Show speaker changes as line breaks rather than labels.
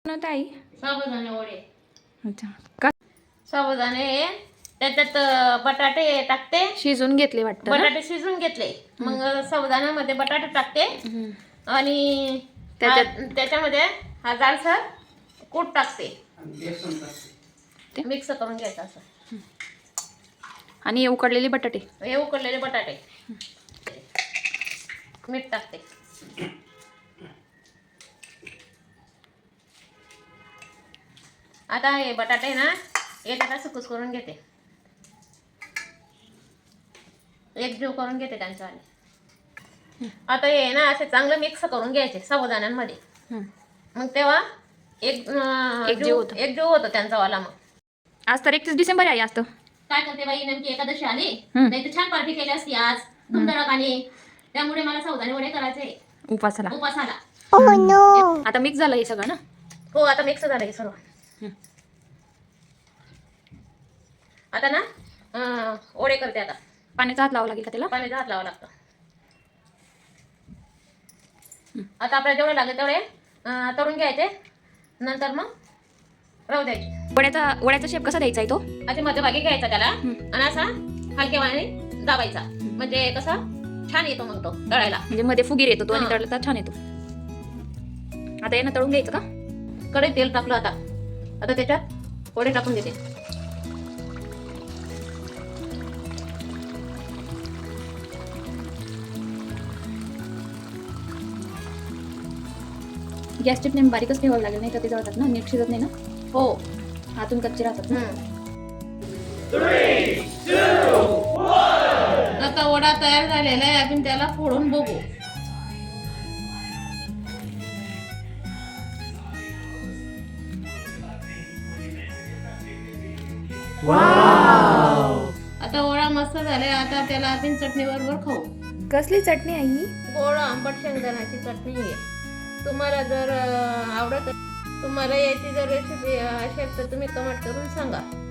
ताई
साबुदाणे वडे.
अच्छा का
साबुदाणे त्याच्यात बटाटे टाकते,
शिजून घेतले वाटतं ना?
बटाटे शिजून घेतले, मग साबुदाण्यामध्ये बटाटे टाकते आणि त्याच्यामध्ये हा जाडसर कूट टाकते, मिक्स करून घ्यायचं असं.
आणि हे उकडलेले बटाटे,
हे उकडलेले बटाटे, मीठ टाकते. आता हे बटाटे ना याच्यात असं कुस्करून घेते, एकजीव करून घेते त्यांच्यावाले. आता हे ना असे चांगलं मिक्स करून घ्यायचे साबुदाण्यांमध्ये, मग तेव्हा एकजीव होतो त्यांचा वाला. मग
आज तर 31 डिसेंबर आहे. आज तर
काय करते बाई, नेमकी एकादशी आली, नाही तर छान पार्टी केली असती आज धुमधडाकाने. त्यामुळे मला साबुदाणे वडे करायचे उपासाला.
आता मिक्स झालं हे सगळं ना?
हो, आता मिक्स झालं हे सर्व. आता ना वडे करते. आता
पाण्याचा हात लावावा लागेल का त्याला?
पाण्याचा हात लावावा लागतो. आता आपल्याला जेवढे लागेल तेवढे तळून घ्यायचे, नंतर मग राहू द्यायचे.
वड्याचा शेप कसा द्यायचा आहे तो?
असे मध्यभागी घ्यायचा त्याला आणि असा हलक्यावाने दाबायचा, म्हणजे कसा छान येतो मग तो तळायला.
म्हणजे मध्ये फुगीर येतो तो आणि तळला तर छान येतो. आता यांना तळून घ्यायचं का?
कढईत तेल टाकलं. आता त्याच्यात वडे टाकून देते.
गॅसची फ्लेम बारीकच ठेवावी लागेल, नाही तर ते जळतात ना, नीट शिजत नाही ना.
हो,
आतून कच्चे राहतात ना.
आता वडा तयार झालेला आहे, आपण त्याला फोडून बघू. आता वडा मस्त झालाय. आता त्याला आपण चटणी बरोबर खाऊ.
कसली चटणी आई?
गोड आंबट शेंगदाण्याची चटणी आहे. तुम्हाला जर आवडत, तुम्हाला याची जर रेसिपी असेल तर तुम्ही कमेंट करून सांगा.